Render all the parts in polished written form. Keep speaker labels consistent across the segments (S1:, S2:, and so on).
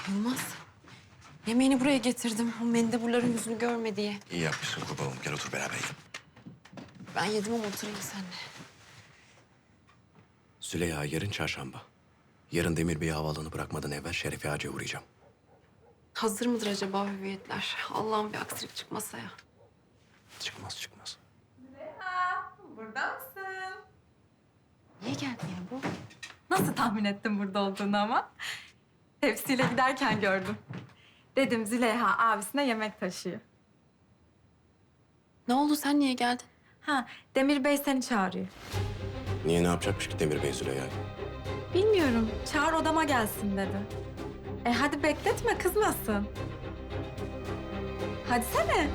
S1: Yılmaz, yemeğini buraya getirdim. O mendeburların yüzünü görme diye.
S2: İyi yapmışsın kurbanım. Gel otur beraber yiyelim.
S1: Ben yedim ama oturayım seninle.
S2: Züleyha yarın çarşamba. Yarın Demir Bey'i havaalanı bırakmadan evvel Şerefi Ağacı'ya uğrayacağım.
S1: Hazır mıdır acaba hüviyetler? Allah'ım bir aksilik çıkmasa ya.
S2: Çıkmaz çıkmaz.
S3: Burada mısın?
S1: Niye geldi ya bu?
S3: Nasıl tahmin ettim burada olduğunu ama? Tepsiyle giderken gördüm. Dedim Züleyha abisine yemek taşıyor.
S1: Ne oldu, sen niye geldin?
S3: Ha, Demir Bey seni çağırıyor.
S2: Niye ne yapacakmış ki Demir Bey Züleyha'yı?
S3: Bilmiyorum, çağır odama gelsin dedi. Hadi bekletme, kızmasın. Hadi sene.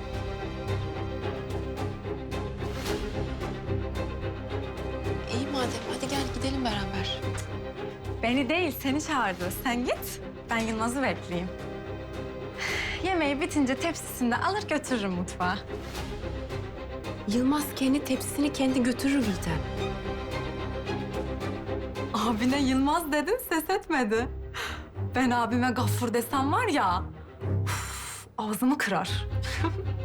S1: İyi madem, hadi gel gidelim beraber.
S3: Beni değil, seni çağırdı. Sen git, ben Yılmaz'ı bekleyeyim. Yemeği bitince tepsisinde alır götürürüm mutfağa.
S1: Yılmaz kendi tepsisini kendi götürür Gülten.
S3: Abine Yılmaz dedin, ses etmedi. Ben abime Gaffur desem var ya, ağzımı kırar.